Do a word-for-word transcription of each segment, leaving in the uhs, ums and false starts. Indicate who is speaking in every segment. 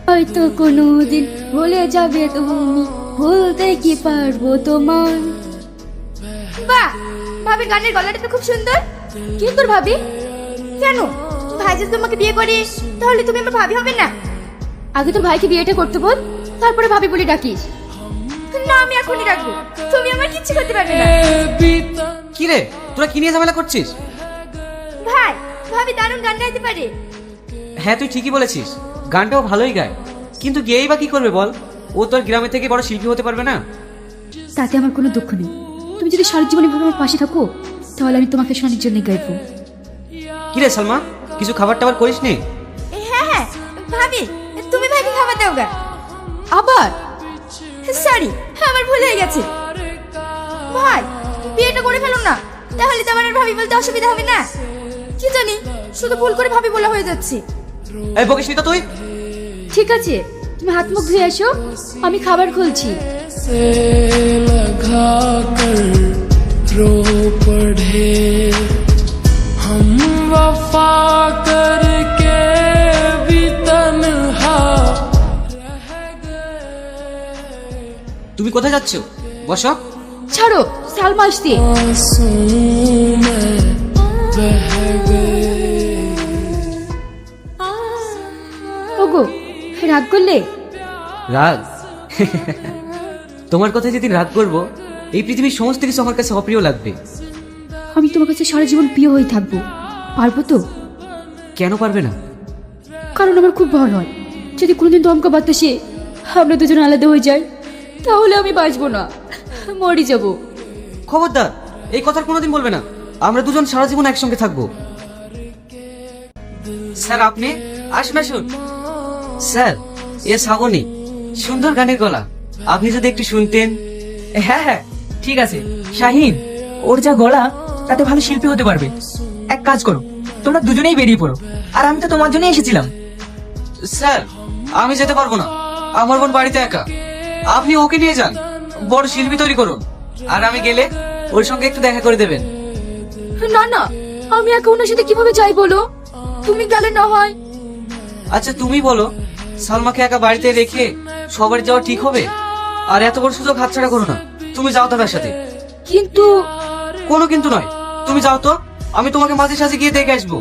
Speaker 1: হয়তো কোনোদিন ভুলে যাবে তুমি, ভুলতে কি পারবো তোমার।
Speaker 2: বাহ, ভাবির গানের গলাটা তো খুব সুন্দর।
Speaker 1: কি তোর ভাবি?
Speaker 2: কেন, ভাই যদি তোমাকে বিয়ে করে তাহলে তুমি আমার ভাবি হবে না?
Speaker 1: আগে তোর ভাইকে বিয়েটা করতে বল, তারপরে ভাবি বলে ডাকিস।
Speaker 2: না, আমি এখনই রাখবো, তুমি আমার কিচ্ছু করতে পারবে না।
Speaker 3: কি রে, তোরা কি নিয়ে ঝামেলা করছিস?
Speaker 2: ভাই, ভাবি দারুণ গান গাইতে পারে।
Speaker 3: হ্যাঁ তুই ঠিকই বলেছিস, গানটাও ভালোই গায়, কিন্তু গেয়েই বা কি করবে বল? ও তোর গ্রামে থেকে বড় শিল্পী হতে পারবে না।
Speaker 1: তাতে আমার কোনো দুঃখ নেই। তুমি যদি সারা জীবন এভাবে আমার পাশে থাকো, তাহলে আমি তোমাকে শোনার জন্য গাইবো।
Speaker 3: কি রে সালমা, কিছু খাবার টাবার করিস নি?
Speaker 2: হ্যাঁ হ্যাঁ ভাবি, তুমি ভাইকে খাবার দাও গা।
Speaker 1: আবার
Speaker 2: সরি, আমার ভুল হয়ে গেছে। ভাই, বিয়েটা করে ফেলুন না, তাহলে তো আমার আর ভাবি বলতে অসুবিধা হবে না। কি জানি, শুধু ভুল করে ভাবি বলা হয়ে যাচ্ছে।
Speaker 3: এই বকিস নি তো তুই।
Speaker 1: ঠিক আছে, তুমি হাত মুখ ধুয়ে এসো, আমি খাবার খুলছি।
Speaker 4: से लगा कर रो पड़े हम वफा करके भी तन्हा रह गए।
Speaker 3: তুমি কোথায় যাচ্ছ? বসো।
Speaker 1: ছাড়ো, সালমা আসছে।
Speaker 4: आंसू में बह गए।
Speaker 1: ওগো, রাগ করলে?
Speaker 3: রাগ? তোমার কথা যেদিন রাগ করবো, এই পৃথিবীর সমস্ত কিছু আমার কাছে অপ্রিয় লাগবে।
Speaker 1: আমি তোমার কাছে সারা জীবন প্রিয় হয়ে থাকবো, পারবো তো?
Speaker 3: কেন পারবে না?
Speaker 1: কারণ আমার খুব ভয় হয়, যদি কোনোদিন দমকা বাতাসে আমরা দুজন আলাদা হয়ে যাই, তাহলে আমি বাঁচবো না, মরে যাব।
Speaker 3: খবরদার, এই কথা কোনোদিন বলবে না। আমরা দুজন সারা জীবন একসঙ্গে থাকবো। স্যার আপনি আসুন আসুন। স্যার, এ শ্রাবণী, সুন্দর গানের গলা, আপনি যদি একটু শুনতেন।
Speaker 5: হ্যাঁ হ্যাঁ ঠিক আছে শাহিন, ওর যা গলা তাতে ভালো শিল্পী হতে পারবে। এক কাজ করো, তোমরা দুজনেই বেরিয়ে পড়ো, আর আমি তো তোমার জন্যই এসেছিলাম।
Speaker 3: স্যার, আমি যেতে পারবো না, আমার বোন বাড়িতে একা। আপনি ওকে নিয়ে যান, বড় শিল্পী তৈরি করুন, আর আমি গেলে ওর সঙ্গে একটু দেখা করে দেবেন।
Speaker 1: না না, আমি একা ওনার সাথে কিভাবে যাই বলো? তুমি গেলে না হয়।
Speaker 3: আচ্ছা তুমি বলো, সালমাকে একা বাড়িতে রেখে সবার যাওয়া ঠিক হবে? আর এত বড় সুযোগ হাতছাড়া করো না, তুমি যাও তার সাথে।
Speaker 1: কিন্তু
Speaker 3: কোনো কিন্তু নয়, তুমি যাও তো, আমি তোমাকে মাঝে সাঝে গিয়ে দেখে আসবো।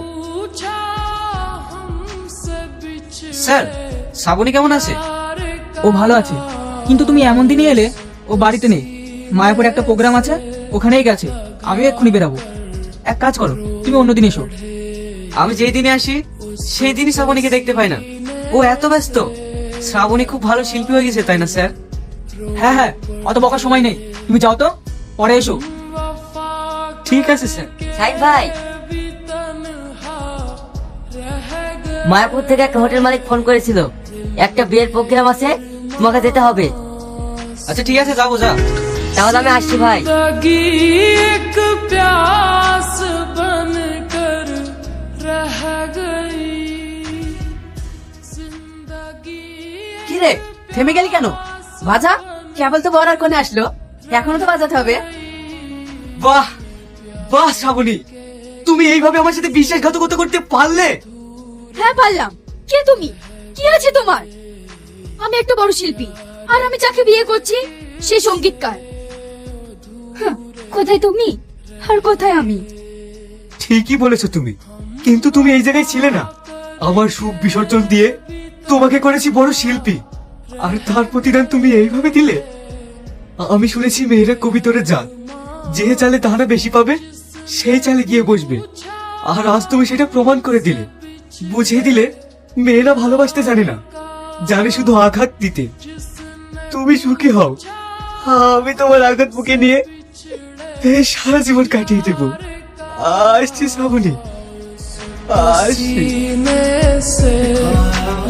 Speaker 3: স্যার, শ্রাবণী কেমন আছে?
Speaker 5: ও ভালো আছে, কিন্তু তুমি এমন দিনে এলে, ও বাড়িতে নেই। মায়াপুরে একটা প্রোগ্রাম আছে, ওখানেই গেছে। আমি এক্ষুনি বেরাবো। এক কাজ করো, তুমি অন্যদিন এসো।
Speaker 3: আমি যেই দিনে আসি সেই দিনই শ্রাবণীকে দেখতে পাই না, ও এত ব্যস্ত। শ্রাবণী খুব ভালো শিল্পী হয়ে গেছে, তাই না স্যার?
Speaker 5: হ্যাঁ হ্যাঁ, অত বকার সময় নেই, তুমি যাও তো, পরে এসো।
Speaker 3: ঠিক আছে স্যার।
Speaker 6: সাইদ ভাই, মায়াপুর থেকে একটা হোটেল মালিক ফোন করেছিল, একটা বিয়ের প্রোগ্রাম আছে, তোমাকে যেতে হবে।
Speaker 3: আচ্ছা ঠিক আছে, যাবো যা।
Speaker 6: তাহলে আমি আসছি ভাই।
Speaker 4: जिंदगी एक प्यास बनकर रह गई। जिंदगी
Speaker 5: কি রে, থেমে গেলি কেন? বাজা, কেবল তো বড় আর কোনে আসলো, এখনো তো বাজাতে হবে।
Speaker 3: বাহ বাহ শ্রাবণী, তুমি এইভাবে আমার সাথে বিশ্বাসঘাতকতা করতে পারলে?
Speaker 1: হ্যাঁ পারলাম। কে তুমি? কি আছে তোমার? আমি একটা বড় শিল্পী, আর আমি যাকে বিয়ে করছি সে সঙ্গীতকার। হ্যাঁ, কোথায় তুমি আর কোথায় আমি?
Speaker 7: ঠিকই বলেছো তুমি, কিন্তু তুমি এই জায়গায় ছিলে না। আমার সুখ বিসর্জন দিয়ে তোমাকে করেছি বড় শিল্পী, আর তার প্রতিদান তুমি এইভাবে দিলে। আমি শুনেছি মেয়েরা কবিতরে যান, যে চালে তাহারা বেশি পাবে সেই চালে গিয়ে বসবে, আর আজ তুমি সেটা প্রমাণ করে দিলে, বুঝিয়ে দিলে মেয়েরা ভালোবাসতে জানে না, জানে শুধু আঘাত দিতে। তুমি সুখী হও, আমি তোমার আঘাত বুকে নিয়ে এই সারা জীবন কাটিয়ে দেবো। আসছি শ্রাবণী, আসছি।
Speaker 4: सीने से